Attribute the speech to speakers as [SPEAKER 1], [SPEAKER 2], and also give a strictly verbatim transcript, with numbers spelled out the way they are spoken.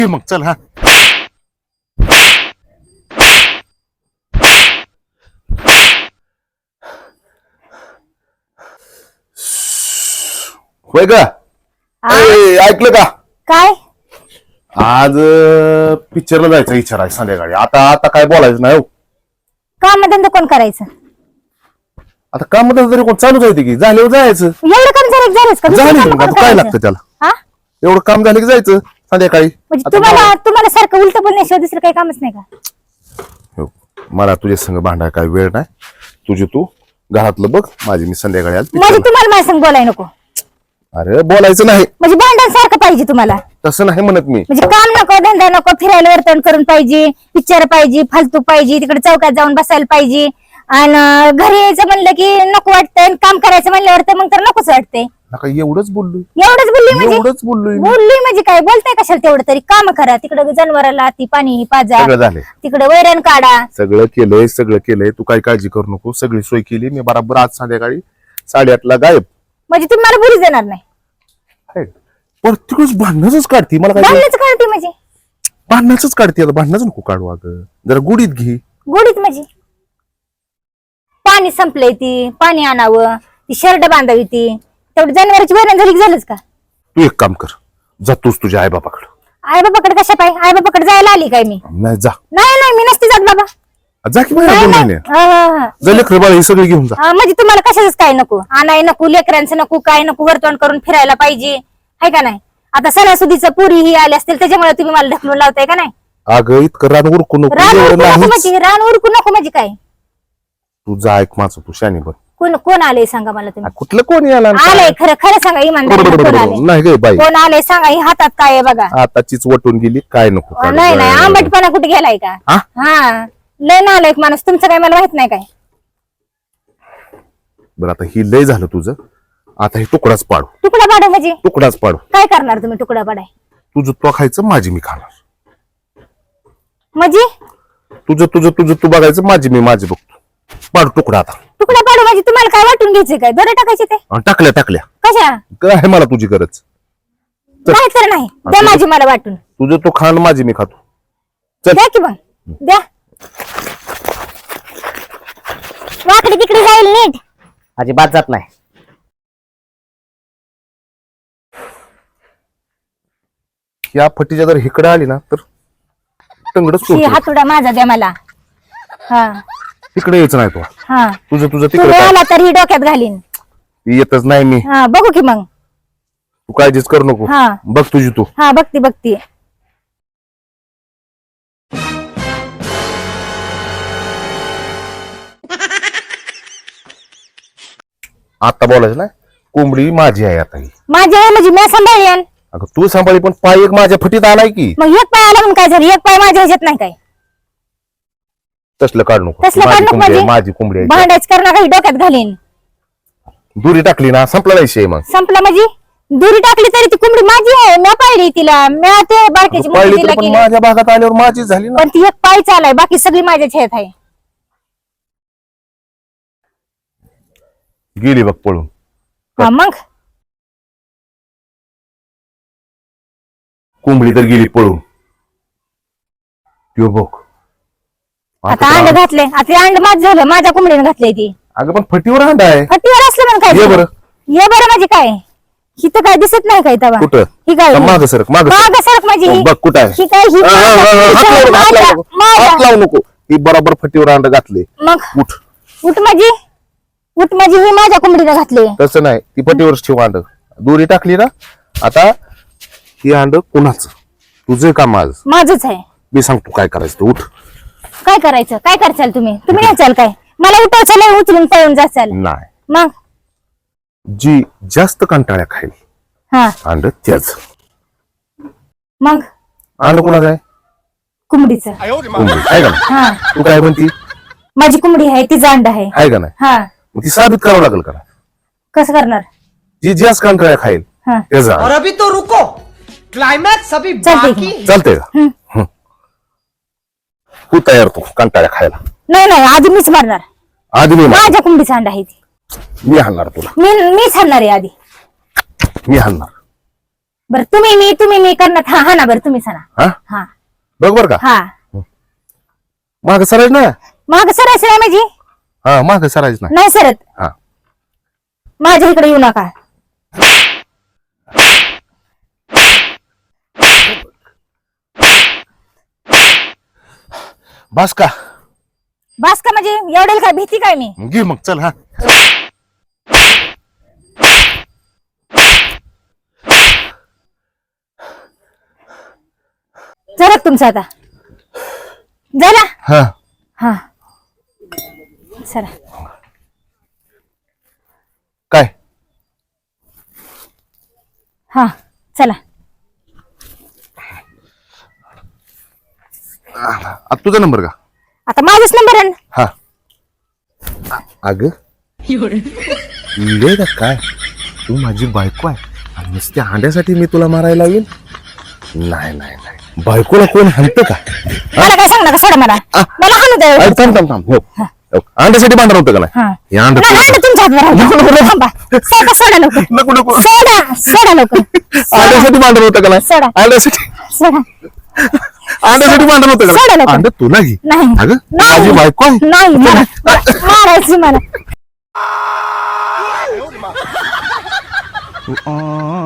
[SPEAKER 1] मग चल हा होय का ए, ऐकलं का
[SPEAKER 2] काय
[SPEAKER 1] आज पिक्चरला जायचं विचार आहे संध्याकाळी. आता आता काय बोलायचं नाही हो.
[SPEAKER 2] काम धंदा कोण करायचं?
[SPEAKER 1] आता काम तरी कोण चालू जायचं की झाल्यावर जायचं.
[SPEAKER 2] एवढं काम झालं झालंच का? दुसरं
[SPEAKER 1] झालं
[SPEAKER 2] काम
[SPEAKER 1] की मग
[SPEAKER 2] कोण
[SPEAKER 1] आता काय
[SPEAKER 2] करायचं?
[SPEAKER 1] लागतं त्याला?
[SPEAKER 2] हा?
[SPEAKER 1] एवढं काम झालं की जायचं संध्याकाळी.
[SPEAKER 2] म्हणजे
[SPEAKER 1] आता
[SPEAKER 2] तुम्हाला तुम्हाला सारखं उलट बोलण्याशिवाय दुसरं काही कामच नाही का?
[SPEAKER 1] हो. मला तुझ्या संग भांडाय काय वेळ नाही. तुझे तू घरातलं बघ, माझी मी संध्याकाळी आज
[SPEAKER 2] म्हणजे
[SPEAKER 1] picture
[SPEAKER 2] तुम्हाला माझ्या संग बोलाय नको?
[SPEAKER 1] ला. अरे बोलायचं नाही
[SPEAKER 2] म्हणजे भांडण सारखं पाहिजे तुम्हाला?
[SPEAKER 1] तसं नाही म्हणत मी.
[SPEAKER 2] म्हणजे काम नको, धंदा नको, फिरायला वर्तन करून पाहिजे, पिक्चर पाहिजे, फालतू पाहिजे, तिकडे चौकात जाऊन बसायला पाहिजे, आणि घरी यायचं म्हणलं की नको वाटतंय, काम करायचं म्हणल्यावर तर मग तर नकोच वाटतंय.
[SPEAKER 1] नका एवढंच बोललोय,
[SPEAKER 2] एवढंच बोलली म्हणजे?
[SPEAKER 1] एवढंच बोललोय मी.
[SPEAKER 2] बोलली म्हणजे काय? बोलताय कशाला तेवढं तरी? काम करा, तिकडे जनावराला ती पाणी पाजा,
[SPEAKER 1] सगळं झालंय,
[SPEAKER 2] तिकडे वैरण काढा.
[SPEAKER 1] सगळं केलंय, सगळं केलंय. तू काही काळजी करू नको, सगळी सोय केली मी. बराबर आज संध्याकाळी साडेआठला गायब.
[SPEAKER 2] म्हणजे तुम्ही मला बुरीच देणार नाही?
[SPEAKER 1] पण तिकडच भांडणच काढती मला काय?
[SPEAKER 2] भांडणच काढते म्हणजे?
[SPEAKER 1] भांडणच काढते. आता भांडणच नको काढू, अगं जरा गुडीत घे.
[SPEAKER 2] गोडीत म्हणजे? पाणी संपलंय, ती पाणी आणावं, ती शर्ट बांधावी, ती तेवढी जनावरांची वैरण झाली की झालंच का?
[SPEAKER 1] तू एक काम कर, जा तूच तुझ्या आई बापाकडे.
[SPEAKER 2] आई बाबाकडे कशा पाय? आई बाबाकडे जायला आली काय मी?
[SPEAKER 1] नाही जा,
[SPEAKER 2] नाही नाही, मी नसते जात बाबा.
[SPEAKER 1] जा की बाहेर
[SPEAKER 2] नाही,
[SPEAKER 1] दोन
[SPEAKER 2] नाही.
[SPEAKER 1] महिने.
[SPEAKER 2] हा, हा, हा.
[SPEAKER 1] जा लेकरं बाळ हे सगळे घेऊन जा.
[SPEAKER 2] हा, म्हणजे तुम्हाला कशाच काय नको? आणाय नको, लेकरांचं नको, काय नको, वर्तवण करून फिरायला पाहिजे, आहे का नाही? आता सणासुदीचं पुरी ही आली असतील त्याच्यामुळे तुम्ही मला ढकलून लावताय का नाही?
[SPEAKER 1] अगं इतकं रान उरकू नको,
[SPEAKER 2] रान
[SPEAKER 1] एवढं
[SPEAKER 2] उरकू नको
[SPEAKER 1] नाहीच.
[SPEAKER 2] म्हणजे? रान उरकू नको म्हणजे काय?
[SPEAKER 1] तू जा, ऐक माझं, तू शानी बन.
[SPEAKER 2] कोण कोण आले सांगा मला तुम्ही?
[SPEAKER 1] कुठलं कोणी आला
[SPEAKER 2] आलंय खरं खरं सांगा, इमानदारी कोण आले?
[SPEAKER 1] नाही गे बाई,
[SPEAKER 2] कोण आले सांगा, ही हातात काय आहे बघा.
[SPEAKER 1] आताचीच वटून गेली, काय नको काढू.
[SPEAKER 2] नाही नाही, आंबटपणा कुठे गेलाय का?
[SPEAKER 1] हा?
[SPEAKER 2] हा, लय ना आलाय माणूस तुमचं, काय मला माहित नाही काय?
[SPEAKER 1] बरं आता ही लय झालं तुझं, आता हे तुकडाच पाडू.
[SPEAKER 2] तुकडा पाडा म्हणजे?
[SPEAKER 1] तुकडाच पाडू.
[SPEAKER 2] काय करणार तुम्ही तुकडा पाडाय?
[SPEAKER 1] तुझं तो खायचं, माझी मी खाणार.
[SPEAKER 2] म्हणजे
[SPEAKER 1] तुझं तुझं तुझं तू बघायचं, माझी मी माझी बघतो. पाडू तुकडा आता.
[SPEAKER 2] तुकडा पाडू म्हणजे तुम्हाला काय वाटून घ्यायचे काय? दोरे टाकायचे ते?
[SPEAKER 1] अन टाकल्या टाकल्या
[SPEAKER 2] कशा?
[SPEAKER 1] काय आहे मला तुझी गरज? चल.
[SPEAKER 2] नाही तर नाही, द्या माझी मला वाटून.
[SPEAKER 1] तुझं तो खाण, माझी मी खातो. चल.
[SPEAKER 2] द्या की मग, द्या. वाकडे तिकडे जाईल नीट.
[SPEAKER 3] अजिबात जात नाही.
[SPEAKER 1] या फटीच्या जर हिकडे आली ना तर टंगडच
[SPEAKER 2] ही
[SPEAKER 1] सोडतो.
[SPEAKER 2] हातोडा माझा द्या मला. हा
[SPEAKER 1] तिकडे यायचं नाही तू.
[SPEAKER 2] हा,
[SPEAKER 1] तुझं तुझं
[SPEAKER 2] तुम्ही
[SPEAKER 1] तिकडे
[SPEAKER 2] आला तर ही डोक्यात घालीन.
[SPEAKER 1] येतच नाही मी.
[SPEAKER 2] हा, बघू की मग.
[SPEAKER 1] तू काळजीच करू नको.
[SPEAKER 2] हा.
[SPEAKER 1] बघ तुझी तू.
[SPEAKER 2] हा, बघती बघती.
[SPEAKER 1] आता बोलायचं ना, कोंबडी माझी आहे आता ही.
[SPEAKER 2] माझी आहे म्हणजे मी सांभाळेन.
[SPEAKER 1] अगं तू सांभाळी, पण पाय एक माझ्या फटीत आलाय की.
[SPEAKER 2] मग एक पाय आला म्हणून काय झालं? एक पाय माझ्या ह्याच्यात नाही काय?
[SPEAKER 1] तसलं काढ नको.
[SPEAKER 2] तसलं
[SPEAKER 1] माझी
[SPEAKER 2] काढ नको
[SPEAKER 1] कोंबडी आहे,
[SPEAKER 2] म्हणजे?
[SPEAKER 1] माझी कोंबडी आहे.
[SPEAKER 2] भांडायच करणं काही डोक्यात घालीन.
[SPEAKER 1] दुरी टाकली ना, संपला नाही शे. मग
[SPEAKER 2] संपला म्हणजे? दुरी टाकली तरी ती कोंबडी माझी आहे. मी पाहिली तिला, मी ते बारक्याची
[SPEAKER 1] पाहिली
[SPEAKER 2] मुलगी
[SPEAKER 1] तर
[SPEAKER 2] तिला
[SPEAKER 1] पण
[SPEAKER 2] केली.
[SPEAKER 1] माझ्या भागात आल्यावर माझी झाली ना.
[SPEAKER 2] पण ती एक पाय चालाय, बाकी सगळी माझ्याच ह्यात आहे.
[SPEAKER 1] गेली बघ पळून.
[SPEAKER 2] हा, मग
[SPEAKER 1] कोंबडी तर गेली पळून. त्यो बघ.
[SPEAKER 2] आता अंड घातले, आता अंड माझ झालं, माझ्या कोंबडीने घातलंय ती.
[SPEAKER 1] अगं पण फटीवर अंडा आहे.
[SPEAKER 2] फटीवर असलं म्हणून काय
[SPEAKER 1] ये
[SPEAKER 2] झालं?
[SPEAKER 1] बरं.
[SPEAKER 2] ये बरं म्हणजे काय? ही तर काय दिसत नाही काय तवा?
[SPEAKER 1] कुठं?
[SPEAKER 2] ही काय?
[SPEAKER 1] माग सरक, माग
[SPEAKER 2] माग सरक म्हणजे ही-
[SPEAKER 1] बघ कुठं आहे.
[SPEAKER 2] ही काय? ही
[SPEAKER 1] हा, हा, हा, हा, हात लावू नको, हात लावू नको.
[SPEAKER 2] माझ्या-
[SPEAKER 1] हात लावू नको. ही बरोबर फटीवर अंड घातले.
[SPEAKER 2] मग
[SPEAKER 1] उठ.
[SPEAKER 2] उठ माझी, उठ माझी, ही माझ्या कोंबडीने घातली.
[SPEAKER 1] तसं नाही, ती फटीवरच ठेव अंड. दोरी टाकली ना, आता ही अंड कुणाचं? तुझं काम आज.
[SPEAKER 2] माझच आहे.
[SPEAKER 1] मी सांगतो काय करायचं ते. उठ.
[SPEAKER 2] काय करायचं? काय करचाल तुम्ही? तुम्ही नाही चाल काय? मला उठवचाल, उचलून पळून जाचाल.
[SPEAKER 1] नाही,
[SPEAKER 2] मग
[SPEAKER 1] जी जास्त कंटाळ्या खाईल
[SPEAKER 2] हा,
[SPEAKER 1] अंड त्याच.
[SPEAKER 2] मग
[SPEAKER 1] अंड कुणाचं आहे?
[SPEAKER 2] कोंबडीचं.
[SPEAKER 1] कोंबडी आहे का नाही?
[SPEAKER 2] हा,
[SPEAKER 1] तू काय म्हणती?
[SPEAKER 2] माझी कोंबडी आहे, तिचं अंड आहे.
[SPEAKER 1] आहे का नाही?
[SPEAKER 2] हा,
[SPEAKER 1] मग ती साबित करावं लागेल का?
[SPEAKER 2] कसं करणार?
[SPEAKER 1] जी जास्त कंटाळ्या खाईल
[SPEAKER 2] हा,
[SPEAKER 1] त्याचा
[SPEAKER 4] और अभी तो रुको, क्लाइमैक्स अभी
[SPEAKER 2] चलते
[SPEAKER 4] बाकी है।
[SPEAKER 1] चालतंय का?
[SPEAKER 2] हम्म.
[SPEAKER 1] हं. तू तयार, तू कंटाळ्या खायला.
[SPEAKER 2] नाही नाही, आधी मीच मारणार.
[SPEAKER 1] आधी मी मार-
[SPEAKER 2] माझ्या कोंबडीचा अंडा आहे ती.
[SPEAKER 1] मी हाणणार तुला.
[SPEAKER 2] मी मीच हाणणार आहे आधी.
[SPEAKER 1] मी हाणणार.
[SPEAKER 2] बरं तुम्ही मी तुम्ही मी करणार हा हा ना बरं तुम्ही सांगा
[SPEAKER 1] हा
[SPEAKER 2] हा
[SPEAKER 1] बघ बर का
[SPEAKER 2] हा
[SPEAKER 1] माग सरायच ना
[SPEAKER 2] माग सरायचं नाही माझी
[SPEAKER 1] हा माग सरायच ना
[SPEAKER 2] नाही सरत
[SPEAKER 1] हा
[SPEAKER 2] माझ्या इकडे येऊ नका
[SPEAKER 1] बस का
[SPEAKER 2] बास का म्हणजे एवढेल काय भीती काय मी
[SPEAKER 1] घे मग चल हा
[SPEAKER 2] जरा तुमचं आता जरा
[SPEAKER 1] हा
[SPEAKER 2] हा सरा
[SPEAKER 1] काय
[SPEAKER 2] हा चला
[SPEAKER 1] आता तुझा नंबर का
[SPEAKER 2] आता माझाच नंबर आहे ना.
[SPEAKER 1] हा अग इडे का काय तू माझी बायको आहे आणि नुसत्या हांड्यासाठी मी तुला मारायला येईल नाही नाही नाही बायकोला कोण हाणतं का
[SPEAKER 2] मला काय सांग नका सोडा मला मला हाणू द्या
[SPEAKER 1] अरे थांब थांब थांब हो हो. अंड्यासाठी भांडण होतं का
[SPEAKER 2] हा.
[SPEAKER 1] नाही हे अंड
[SPEAKER 2] नाही, नाही, तुमच्या हातवर आहे. थांबा. सोडा सोडा लवकर
[SPEAKER 1] नको नको
[SPEAKER 2] सोडा सोडा लवकर
[SPEAKER 1] अंड्यासाठी भांडण होतं का
[SPEAKER 2] सोडा.
[SPEAKER 1] नाही अंड्यासाठी
[SPEAKER 2] सोडा
[SPEAKER 1] अंड्यासाठी भांडण होतं का
[SPEAKER 2] सोडा
[SPEAKER 1] नाही?
[SPEAKER 2] लवकर.
[SPEAKER 1] अंड तुला घे
[SPEAKER 2] नाही
[SPEAKER 1] अगं
[SPEAKER 2] नाही.
[SPEAKER 1] माझी बायको आहे
[SPEAKER 2] नाही मला मारायची मला
[SPEAKER 1] अं,